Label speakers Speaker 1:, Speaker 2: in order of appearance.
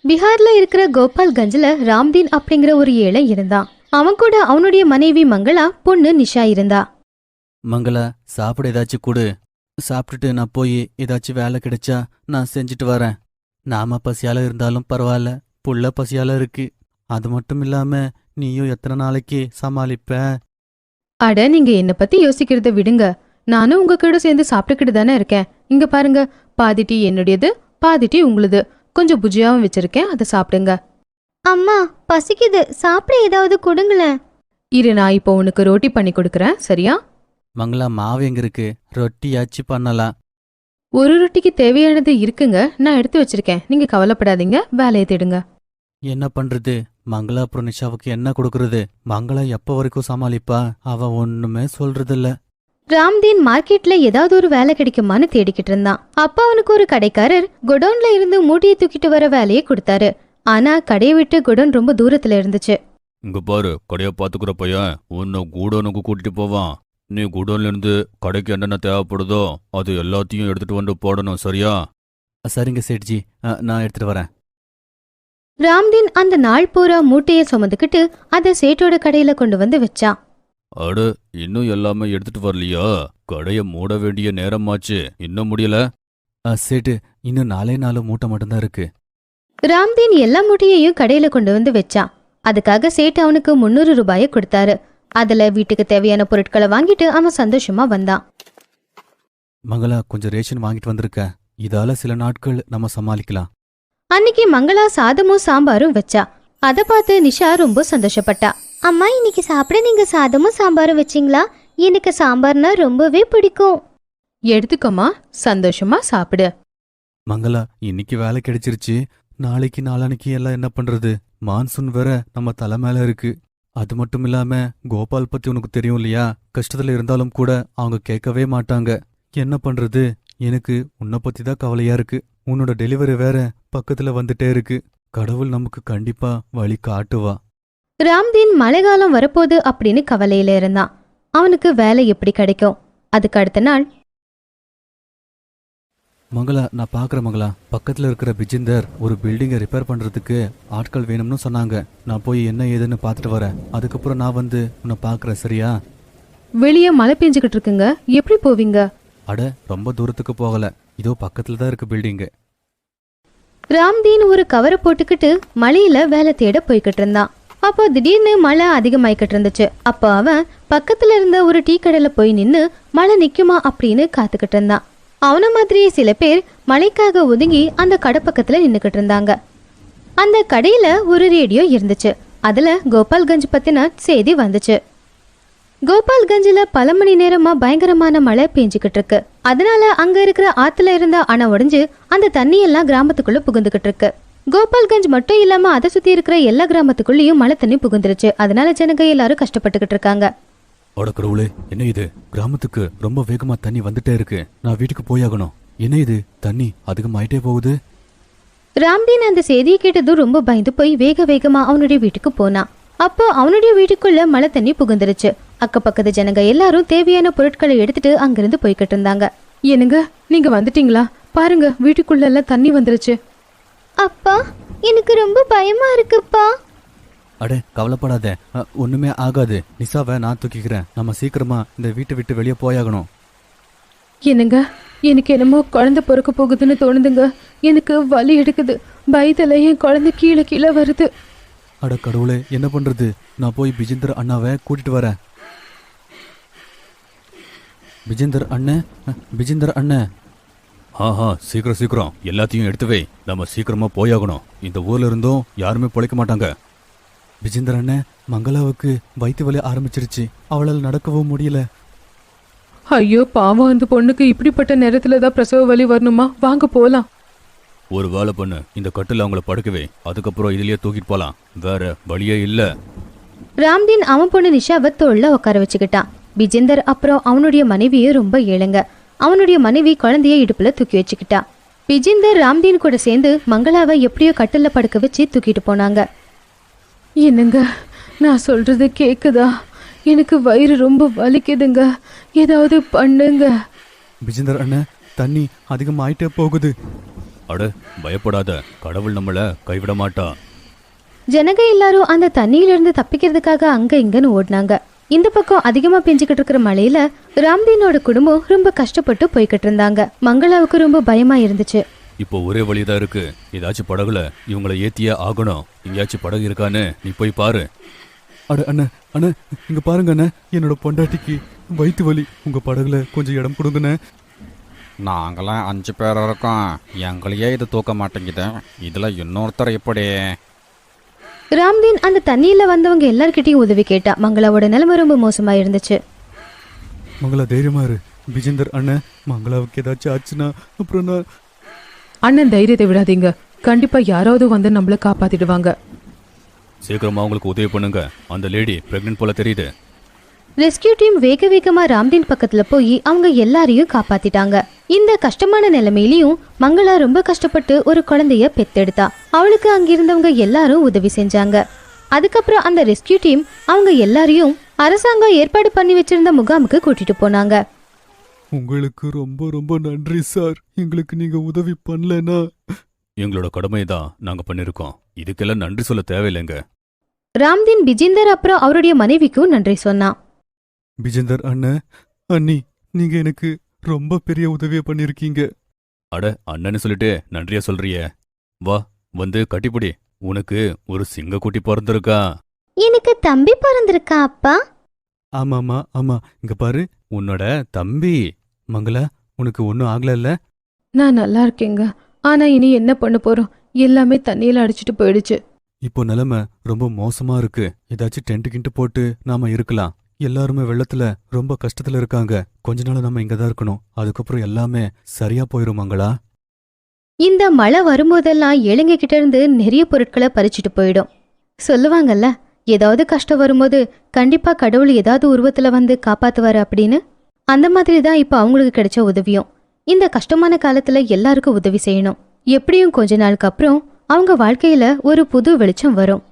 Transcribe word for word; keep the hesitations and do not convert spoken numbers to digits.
Speaker 1: பீகார்ல இருக்கிற கோபால்கஞ்சில் ராம்தீன் அப்படிங்கிற ஒரு ஏழை இருந்தான். அவன் கூட அவனுடைய மனைவி மங்களா, பொண்ணு நிஷா இருந்தா.
Speaker 2: மங்களா, சாப்பிட ஏதாச்சும் கொடு. சாப்பிட்டுட்டு நான் போய் ஏதாச்சும் வேலை கிடைச்சா நான் செஞ்சுட்டு வரேன். நாம பசியால இருந்தாலும் பரவாயில்ல, புள்ள பசியால இருக்கு. அது மட்டும் இல்லாம நீயும் எத்தனை நாளைக்கு சமாளிப்ப?
Speaker 1: அட, நீங்க என்ன பத்தி யோசிக்கிறத விடுங்க. நானும் உங்க கூட சேர்ந்து சாப்பிட்டுக்கிட்டு தானே இருக்கேன். இங்க பாருங்க, பாதி டீ என்னுடையது, பாதி டீ உங்களுது. கொஞ்சம் புஜியாவும் வச்சிருக்கேன், அதை சாப்பிடுங்க.
Speaker 3: அம்மா பசிக்குது, சாப்பிட ஏதாவது கொடுங்களேன்.
Speaker 1: இரு, நான் இப்போ உனக்கு ரோட்டி பண்ணி கொடுக்கறேன், சரியா?
Speaker 2: மங்களா, மாவு எங்க இருக்கு? ரொட்டியாச்சு பண்ணலாம்.
Speaker 1: ஒரு ரொட்டிக்கு தேவையானது இருக்குங்க, நான் எடுத்து வச்சிருக்கேன். நீங்க கவலைப்படாதீங்க, வேலையை தேடுங்க.
Speaker 2: என்ன பண்றது? மங்களா அப்புறம் நிஷாவுக்கு என்ன கொடுக்கறது? மங்களா எப்ப வரைக்கும் சமாளிப்பா? அவ ஒண்ணுமே சொல்றதில்ல.
Speaker 1: ராம்தீன் மார்க்கெட்ல ஏதாவது ஒரு வேலை கிடைக்குமான்னு தேடிக்கிட்டு இருந்தான். அப்ப அவனுக்கு ஒரு கடைக்காரர் குடோன்ல இருந்து மூட்டையை தூக்கிட்டு வர வேலையை கொடுத்தாரு. ஆனா கடையை விட்டு குடோன் ரொம்ப தூரத்துல இருந்துச்சு.
Speaker 4: இங்க பாரு, கடையை பாத்துக்கிற பையன் உன்னை குடோனுக்கு கூட்டிட்டு போவான். நீ குடோன்ல இருந்து கடைக்கு என்னென்ன தேவைப்படுதோ அது எல்லாத்தையும் எடுத்துட்டு வந்து போடணும், சரியா?
Speaker 2: சரிங்க சேட்ஜி, நான் எடுத்துட்டு வரேன்.
Speaker 1: ராம்தீன் அந்த நாள் பூரா மூட்டையை சுமந்துக்கிட்டு அதை சேட்டோட கடையில கொண்டு வந்து வச்சான்.
Speaker 4: அட, இன்னும் எல்லாமே எடுத்துட்டு வரலையா? கடைய மூட வேண்டிய நேரமாச்சு, இன்னும் முடியல?
Speaker 2: சேட்டு, இன்னும் நாலே நாலு மூட்டை மட்டும்தான் இருக்கு.
Speaker 1: ராம்தீன் எல்லா மூட்டையையும் கடையில கொண்டு வந்து வச்சான். அதுக்காக சேட்டு அவனுக்கு முன்னூறு ரூபாயை கொடுத்தாரு. அதுல வீட்டுக்கு தேவையான பொருட்களை வாங்கிட்டு அவன் சந்தோஷமா வந்தான்.
Speaker 2: மங்களா, கொஞ்சம் ரேஷன் வாங்கிட்டு வந்திருக்க. இதால சில நாட்கள் நம்ம சமாளிக்கலாம்.
Speaker 1: அன்னைக்கு மங்களா சாதமும் சாம்பாரும் வச்சா. அதை பார்த்து நிஷா ரொம்ப சந்தோஷப்பட்டா.
Speaker 3: அம்மா, இன்னைக்கு சாப்பிட நீங்க சாதமும் சாம்பாரும் வச்சிங்களா? எனக்கு சாம்பார்னா ரொம்பவே பிடிக்கும்.
Speaker 1: எடுத்துக்கோமா, சந்தோஷமா சாப்பிடு.
Speaker 2: மங்களா, இன்னைக்கு வேலை கிடைச்சிருச்சு. நாளைக்கு நாளானைக்கு எல்லாம் என்ன பண்றது? மான்சூன் வேற நம்ம தலை மேல இருக்கு. அது மட்டும் இல்லாம கோபால் பத்தி உனக்கு தெரியும் இல்லையா? கஷ்டத்துல இருந்தாலும் கூட அவங்க கேட்கவே மாட்டாங்க. என்ன பண்றது? எனக்கு உன்னை பத்தி தான் கவலையா இருக்கு. உன்னோட டெலிவரி வேற பக்கத்துல வந்துட்டே இருக்கு. கடவுள் நமக்கு கண்டிப்பா வழி காட்டுவா.
Speaker 1: ராம்தீன் மழைக்காலம் வரப்போகுது அப்படின்னு கவலையில இருந்தான். அவனுக்கு வேலை எப்படி கிடைக்கும்? அதுக்கு அடுத்த நாள்,
Speaker 2: மங்களா, நான் பாக்குறேன் மங்களா. பக்கத்துல இருக்கிற பிஜிந்தர் ஒரு பில்டிங்கை ரிப்பேர் பண்றதுக்கு ஆட்கள் வேணும்னு சொன்னாங்க. நான் போய் என்ன ஏதுன்னு பாத்துட்டு வரேன். அதுக்கப்புறம் நான் வந்து உன்னை பாக்குறேன், சரியா?
Speaker 1: வெளியே மழை பெஞ்சுக்கிட்டு இருக்குங்க, எப்படி போவீங்க?
Speaker 2: அட, ரொம்ப தூரத்துக்கு போகல, இதோ பக்கத்துல தான் இருக்கு பில்டிங்கு.
Speaker 1: ராம்தீன் ஒரு கவரை போட்டுக்கிட்டு மழையில வேலை தேட போய்கிட்டு இருந்தான். அப்போ திடீர்னு மழை அதிகமாயிக்கிட்டு இருந்துச்சு. அப்போ அவன் பக்கத்துல இருந்த ஒரு டீ கடையில போய் நின்னு மழை நிக்குமா அப்படின்னு காத்துக்கிட்டு இருந்தான். அவன மாதிரியே சில பேர் மழைக்காக ஒதுங்கி அந்த கடை பக்கத்துல நின்னுக்கிட்டு இருந்தாங்க. அந்த கடையில ஒரு ரேடியோ இருந்துச்சு. அதுல கோபால்கஞ்ச் பத்தின செய்தி வந்துச்சு. கோபால்கஞ்சில் பல மணி நேரமா பயங்கரமான மழை பெஞ்சுக்கிட்டு இருக்கு. அதனால அங்க இருக்கிற ஆத்துல இருந்த அணை உடைஞ்சு அந்த தண்ணி எல்லாம் கிராமத்துக்குள்ள புகுந்துகிட்டு இருக்கு. கோபால்கஞ்ச் மட்டும் இல்லாம அதை சுத்தி இருக்கிற எல்லா கிராமத்துக்குள்ளேயும் மழை தண்ணி புகுந்துருச்சு. அதனால ஜனங்க எல்லாரும் கஷ்டப்பட்டுக்கிட்டு இருக்காங்க.
Speaker 2: அடக்கடவுளே, என்ன இது? கிராமத்துக்கு ரொம்ப வேகமா தண்ணி வந்துட்டே இருக்கு. நான் வீட்டுக்கு போயாகணும். என்ன இது? தண்ணி அதிகமாயிட்டே போகுது.
Speaker 1: ராம்தீன் அந்த செய்தியை கேட்டதும் ரொம்ப பயந்து போய் வேக வேகமா அவனுடைய வீட்டுக்கு போனான். அப்போ அவனுடைய வீட்டுக்குள்ள மழை தண்ணி புகுந்துருச்சு. அக்கப்பக்கத்து ஜனங்க எல்லாரும் தேவையான பொருட்களை எடுத்துட்டு அங்கிருந்து போய்கிட்டு இருந்தாங்க. என்னங்க, நீங்க வந்துட்டீங்களா? பாருங்க, வீட்டுக்குள்ள எல்லாம் தண்ணி வந்துருச்சு.
Speaker 3: அப்பா, எனக்கு ரொம்ப பயமா இருக்குப்பா.
Speaker 2: அட, கவலைப்படாத, ஒண்ணுமே ஆகாது. நிசாவை நான் தூக்கிக்கிறேன். நம்ம சீக்கிரமா இந்த வீட்டை விட்டு வெளியே போயாகணும்.
Speaker 1: என்னங்க, எனக்கு என்னமோ குழந்தை பிறக்க போகுதுன்னு தோணுதுங்க. எனக்கு வலி எடுக்குது. பயத்துல என் குழந்தை கீழே கீழே வருது.
Speaker 2: அட கடவுளே, என்ன பண்றது? நான் போய் பிஜிந்தர் அண்ணாவை கூட்டிட்டு வரேன். பிஜிந்தர் அண்ணன், பிஜிந்தர் அண்ணன்.
Speaker 4: ஆஹா, சீக்கிரம் சீக்கிரம் எல்லாத்தையும் எடுத்து வை. நம்ம சீக்கிரமா போயாகணும். இந்த ஊர்ல இருந்தும் யாருமே பொழைக்க மாட்டாங்க.
Speaker 2: பிஜிந்தர் அண்ணன், மங்களாவுக்கு வயிற்று வலி ஆரம்பிச்சிருச்சு. அவளால் நடக்கவும் முடியல.
Speaker 1: ஐயோ பாவம், அந்த பொண்ணுக்கு இப்படிப்பட்ட நேரத்துல தான் பிரசவ வலி வரணுமா? வாங்க போலாம்.
Speaker 4: ஒரு வேலை பண்ணு, இந்த கட்டில் அவங்கள படுக்கவே, அதுக்கப்புறம் இதுலயே தூக்கிட்டு போலாம். வேற வழியே இல்ல.
Speaker 1: ராம்தீன் அவன் பொண்ணு நிஷாவை தோல்ல உட்கார வச்சுக்கிட்டான். பிஜிந்தர் அப்புறம் அவனுடைய மனைவியும் ரொம்ப ஏழுங்க. அவனுடைய மனைவி குழந்தைய இடுப்புல தூக்கி வச்சுக்கிட்டா. பிஜிந்தர் ராம்தீன் கூட சேர்ந்து மங்களாவை எப்படியோ கட்டில படுக்க வச்சு தூக்கிட்டு போனாங்க. என்னங்க, நான் சொல்றது கேக்குதா? எனக்கு வயிறு ரொம்ப வலிக்குதுங்க, ஏதாவது பண்ணுங்க.
Speaker 2: பிஜிந்தர் அண்ணன், தண்ணி அதிகமாயிட்டே போகுது.
Speaker 4: அட பயப்படாத, கடவுள் நம்மள கைவிட மாட்டா.
Speaker 1: ஜனங்க எல்லாரும் அந்த தண்ணியிலிருந்து தப்பிக்கிறதுக்காக அங்க இங்கன்னு ஓடினாங்க. இந்த பக்கம் அதிகமா பெஞ்சுக்கிட்டு இருக்கிற மழையில ராம்தீனோட குடும்பம் ரொம்ப கஷ்டப்பட்டு போய்கிட்டு இருந்தாங்க. மங்களாவுக்கு ரொம்ப பயமா இருந்துச்சு.
Speaker 4: இப்போ ஒரே வழிதான் இருக்கு. ஏதாச்சும் படகுல இவங்களை ஏத்தியே ஆகணும். எங்கேயாச்சும் படகு இருக்கான்னு நீ போய் பாரு.
Speaker 2: அட அண்ணா அண்ணா, இங்க பாருங்க அண்ணா, என்னோட பொண்டாட்டிக்கு வயிற்று வலி. உங்க படகுல கொஞ்சம் இடம் கொடுங்கண்ணே.
Speaker 5: நாங்களாம் அஞ்சு பேர் இருக்கோம், எங்களையே இது தூக்க மாட்டேங்குது, இதுல இன்னொருத்தர் எப்படி?
Speaker 1: ராம்தீன் அந்த தண்ணியில வந்தவங்க எல்லார்கிட்டயும் உதவி கேட்டா. மங்களாவோட நிலைமை ரொம்ப மோசமா இருந்துச்சு.
Speaker 2: மங்களா தைரியமா இரு. விஜேந்தர் அண்ணன், மங்களாவுக்கு ஏதாச்சும் ஆச்சுன்னா அப்புறம் நான்.
Speaker 6: அண்ணன் தைரியத்தை விடாதீங்க, கண்டிப்பா யாராவது வந்து நம்மள காப்பாத்திடுவாங்க.
Speaker 4: சீக்கிரமா அவங்களுக்கு உதவி பண்ணுங்க. அந்த லேடி பிரெக்னென்ட் போல தெரியுது.
Speaker 1: ரெஸ்கியூ டீம் வேக வேகமா ராம்தீன் பக்கத்துல போய் அவங்க எல்லாரையும் காப்பாத்திட்டாங்க. இந்த கஷ்டமான நிலைமையிலயும் மங்களா ரொம்ப கஷ்டப்பட்டு ஒரு குழந்தைய பெத்தெடுத்தா. அவளுக்கு அங்கிருந்தவங்க எல்லாரும் உதவி செஞ்சாங்க. அதுக்கப்புறம் அந்த ரெஸ்கியூ டீம் அவங்க எல்லாரையும் அரசாங்கம் ஏற்பாடு பண்ணி வச்சிருந்த முகாமுக்கு கூட்டிட்டு போனாங்க.
Speaker 2: உங்களுக்கு ரொம்ப ரொம்ப நன்றி சார். எங்களுக்கு நீங்க உதவி பண்ணலனா.
Speaker 4: எங்களோட கடமை தான் நாங்க பண்ணிருக்கோம். இதுக்கெல்லாம் நன்றி சொல்ல தேவையில்லைங்க.
Speaker 1: ராம்தீன் விஜேந்தர் அப்புறம் அவருடைய மனைவிக்கும் நன்றி சொன்னான்.
Speaker 2: விஜேந்தர் அண்ணன், அண்ணி, நீங்க எனக்கு ரொம்ப பெரிய உதவியை பண்ணிருக்கீங்க.
Speaker 4: அட அண்ணன்னு சொல்லிட்டு நன்றியா சொல்றியே. வா வந்து கட்டிப்பிடி. உனக்கு ஒரு சிங்கக்குட்டி பிறந்திருக்கா.
Speaker 3: எனக்கு தம்பி பிறந்திருக்கா அப்பா?
Speaker 2: ஆமாமா ஆமா, இங்க பாரு, உன்னோட தம்பி. மங்களா, உனக்கு ஒன்னும் ஆகல?
Speaker 6: நான் நல்லா இருக்கேங்க. ஆனா இனி என்ன பண்ண போறோம்? எல்லாமே தண்ணியில அடிச்சிட்டு போயிடுச்சு.
Speaker 2: இப்போ நிலைமை ரொம்ப மோசமா இருக்கு. ஏதாச்சும் டென்ட் கிண்ட் போட்டு நாம இருக்கலாம். எல்லாருமே வெள்ளத்துல ரொம்ப கஷ்டத்துல இருக்காங்க. கொஞ்ச நாள் நம்ம இங்கதான் இருக்கணும். அதுக்கப்புறம் எல்லாமே சரியா போயிரும் மங்களா.
Speaker 1: இந்த மழை வரும்போதெல்லாம் ஏழைங்க கிட்ட இருந்து நிறைய பொருட்களை பறிச்சுட்டு போயிடும். சொல்லுவாங்கல்ல, ஏதாவது கஷ்டம் வரும்போது கண்டிப்பா கடவுள் ஏதாவது உருவத்துல வந்து காப்பாத்துவாரு அப்படின்னு. அந்த மாதிரி தான் இப்ப அவங்களுக்கு கிடைச்ச உதவியும். இந்த கஷ்டமான காலத்துல எல்லாருக்கும் உதவி செய்யணும். எப்படியும் கொஞ்ச நாளுக்கு அப்புறம் அவங்க வாழ்க்கையில ஒரு புது வெளிச்சம் வரும்.